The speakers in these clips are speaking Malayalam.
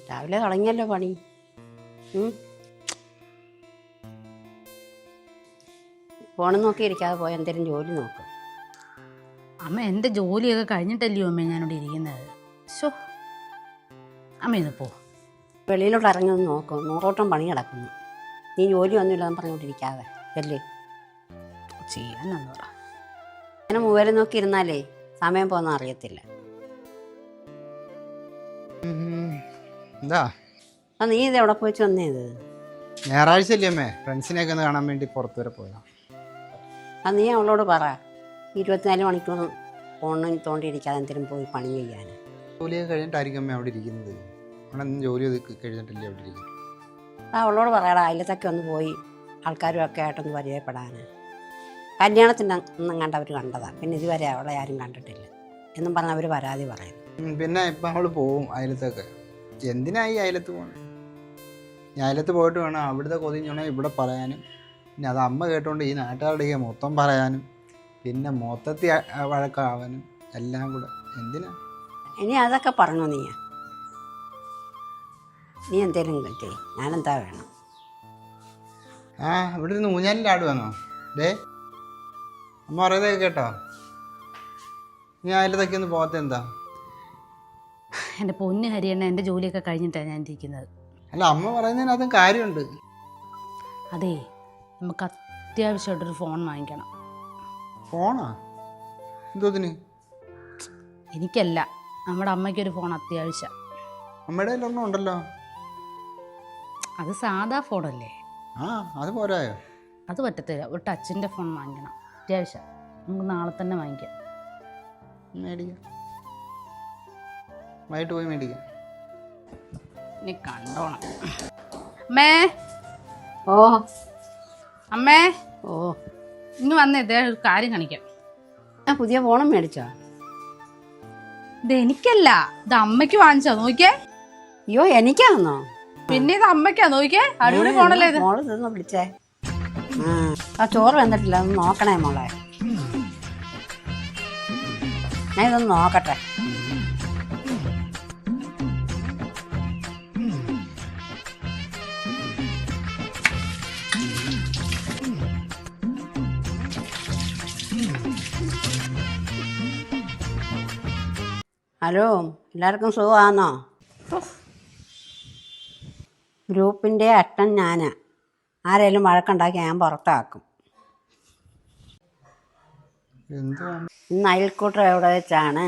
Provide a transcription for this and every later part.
രാവിലെ തുടങ്ങിയല്ലോ പണി. ഫോണും നോക്കി ഇരിക്കാതെ പോയി എന്തെങ്കിലും ജോലി നോക്കും. അമ്മ എൻ്റെ ജോലിയൊക്കെ കഴിഞ്ഞിട്ടല്ലയോ അമ്മ ഞാനിവിടെ ഇരിക്കുന്നത്. ശോ അമ്മ ഇന്ന് പോ. വെളിയിലോട്ട് ഇറങ്ങി നോക്കും. നൂറോട്ടം പണി കിടക്കുന്നു. നീ ജോലി ഒന്നുമില്ലെന്ന് പറഞ്ഞുകൊണ്ടിരിക്കാതെ അല്ലേ ചെയ്യാനെന്ന് പറ. അങ്ങനെ മൂവരെ നോക്കി ഇരുന്നാലേ സമയം പോകുന്ന അറിയത്തില്ല. എന്താ നീ ഇത് എവിടെ പോയി വന്നേത്? ഞായറാഴ്ച അല്ലേ അമ്മേ, ഫ്രണ്ട്സിനെയൊക്കെ ഒന്ന് കാണാൻ വേണ്ടി പുറത്തു വരെ പോയതാ. നീ അവളോട് പറ 24 മണിക്കൂർ ഫോണിൽ തോണ്ടിയിരിക്കാതെ എന്തെങ്കിലും പോയി പണി ചെയ്യാൻ. ജോലിയൊക്കെ കഴിഞ്ഞിട്ടായിരിക്കും അമ്മ അവിടെ ഇരിക്കുന്നത്. അവിടെ ഒന്നും ജോലി കഴിഞ്ഞിട്ടില്ലേ അവിടെ ഇരിക്കുന്നത്. അവളോട് പറയടാ അയലത്തൊക്കെ ഒന്ന് പോയി ആൾക്കാരുമൊക്കെ ആയിട്ടൊന്ന് പരിചയപ്പെടാൻ. കല്യാണത്തിൻ്റെ ഒന്നും കണ്ടവർ കണ്ടതാണ്, പിന്നെ ഇതുവരെ അവളെ ആരും കണ്ടിട്ടില്ല എന്നും പറഞ്ഞ് അവർ പരാതി പറയും. പിന്നെ ഇപ്പം അവൾ പോവും അയലത്തൊക്കെ. എന്തിനായി അയലത്ത് പോകണം? ഞാൻ അയലത്ത് പോയിട്ട് വേണം അവിടുത്തെ കൊതിഞ്ഞോണേ ഇവിടെ പറയാനും, പിന്നെ അത് അമ്മ കേട്ടുകൊണ്ട് ഈ നാട്ടുകാരുടെ മൊത്തം പറയാനും, പിന്നെ മൊത്തത്തിൽ വഴക്കാവാനും എല്ലാം കൂടെ എന്തിനാ? ഇനി അതൊക്കെ പറഞ്ഞു നീ എന്തേലും ചെയ്യും, ഞാനെന്താ വേണം? ഇവിടെ ഇരുന്ന് ഊഞ്ഞാലിൻ്റെ ആട് വന്നോ? അമ്മ പറയുന്നതൊക്കെ കേട്ടോ? നീ അയലത്തൊക്കെ ഒന്ന് പോകാത്ത എന്താ? എൻ്റെ പൊന്ന് ഹരിയണ്ണ, എൻ്റെ ജോലിയൊക്കെ കഴിഞ്ഞിട്ടാണ് ഞാൻ ഇരിക്കുന്നത്. അല്ല, അമ്മ പറയുന്നതിനകത്തും കാര്യമുണ്ട്. അതെ, നമുക്ക് അത്യാവശ്യമായിട്ടൊരു ഫോൺ വാങ്ങിക്കണം. ഫോണാ? എന്തോത്തിന്? എനിക്കല്ല, നമ്മുടെ അമ്മയ്ക്കൊരു ഫോൺ അത്യാവശ്യം. അമ്മയുടെ കയ്യിലൊരെണ്ണം ഉണ്ടല്ലോ. അത് സാധാ ഫോണല്ലേ? അത് പോരായോ? അത് പറ്റത്തില്ല, ഒരു ടച്ചിൻ്റെ ഫോൺ വാങ്ങിക്കണം അത്യാവശ്യം. നമുക്ക് നാളെ തന്നെ വാങ്ങിക്കാം. മേടിക്കാം, വൈകിട്ട് പോയി മേടിക്കാം. നീ കണ്ടോണം. അമ്മേ, ഓ അമ്മേ, ഓ ഇങ്ങ് വന്നേ, ഇതേ ഒരു കാര്യം കാണിക്കാം. ഞാൻ പുതിയ ഫോണും മേടിച്ചോ? ഇത് എനിക്കല്ല, ഇത് അമ്മയ്ക്ക് വാങ്ങിച്ചോ, നോക്കിയേ. അയ്യോ, എനിക്കാണെന്നോ? പിന്നെ ഇത് അമ്മയ്ക്കാ, നോക്കിയേ. അടിപൊളി ഫോണല്ലേ ഇത്. മോള് ഇതൊന്ന് വിളിച്ചേ. ചോറ് വന്നിട്ടില്ല, ഒന്ന് നോക്കണേ മോളെ. ഞാൻ ഇതൊന്ന് നോക്കട്ടെ. ഹലോ, എല്ലാവർക്കും സുഖമാണോ? ഗ്രൂപ്പിൻ്റെ അട്ടൻ ഞാനാ. ആരെങ്കിലും വഴക്കുണ്ടാക്കി ഞാൻ പുറത്താക്കും. ഇന്ന് അയൽക്കൂട്ടം എവിടെ വെച്ചാണ്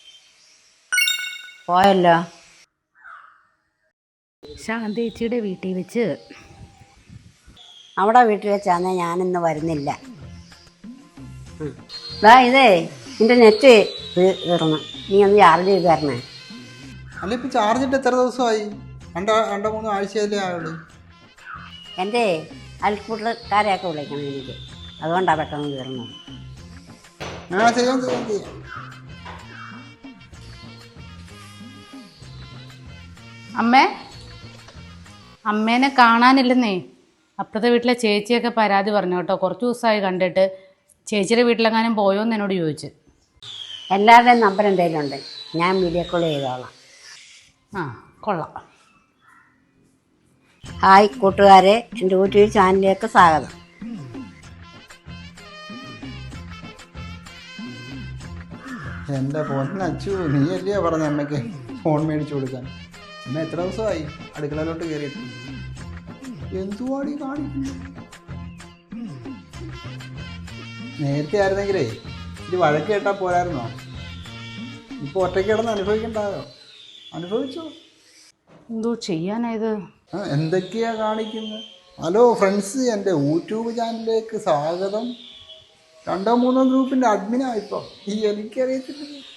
പോയല്ലോ? ശാന്തേച്ചിയുടെ വീട്ടിൽ വെച്ച്. അവിടെ വീട്ടിൽ വെച്ചാന്നേ ഞാനിന്ന് വരുന്നില്ല. ഇതേ നിൻ്റെ നെറ്റ് തീർന്നു, നീ ഒന്ന് ചാർജ് ചെയ്ത് തരണേ. അല്ല, ഇപ്പം ചാർജ് ഇട്ട് എത്ര ദിവസമായി? രണ്ടോ മൂന്നോ ആഴ്ചയല്ലേ ആയുള്ളൂ. എൻ്റെ അയൽക്കൂട്ടക്കാരെയൊക്കെ വിളിക്കണം എനിക്ക്, അതുകൊണ്ടാണ് പെട്ടെന്ന് തീർന്നത്. ചെയ്യാം. അമ്മേനെ കാണാനില്ലെന്നേ. അപ്പുറത്തെ വീട്ടിലെ ചേച്ചിയൊക്കെ പരാതി പറഞ്ഞു കേട്ടോ. കുറച്ച് ദിവസമായി കണ്ടിട്ട്. ചേച്ചിയുടെ വീട്ടിലെങ്ങാനും പോയോന്ന് എന്നോട് ചോദിച്ചു. എല്ലാവരുടെയും നമ്പർ എന്തെങ്കിലും ഉണ്ട്, ഞാൻ വീഡിയോ കോൾ ചെയ്തോളാം. കൊള്ളാം. ഹായ് കൂട്ടുകാരെ, എൻ്റെ യൂട്യൂബ് ചാനലിലേക്ക് സ്വാഗതം. എൻ്റെ പൊന്നച്ചു, നീ അല്ലയോ പറഞ്ഞ അമ്മയ്ക്ക് ഫോൺ മേടിച്ചു കൊടുക്കാൻ? അമ്മ എത്ര ദിവസമായി അടുക്കളയിലോട്ട് കയറിയിട്ട്? എന്തുവാടി കാണിക്കുന്നു? നേരത്തെ ആയിരുന്നെങ്കിലേ ഇത് വഴക്ക് കേട്ടാൽ പോരായിരുന്നോ? ഇപ്പോൾ ഒറ്റയ്ക്ക് കിടന്ന് അനുഭവിക്കണ്ടായോ? അനുഭവിച്ചോ? എന്തോ ചെയ്യാനായത്? എന്തൊക്കെയാ കാണിക്കുന്നത്? ഹലോ ഫ്രണ്ട്സ്, എൻ്റെ യൂട്യൂബ് ചാനലിലേക്ക് സ്വാഗതം. 2-3 ഗ്രൂപ്പിൻ്റെ അഡ്മിനാണ് ഇപ്പം. എനിക്കറിയത്തില്ല.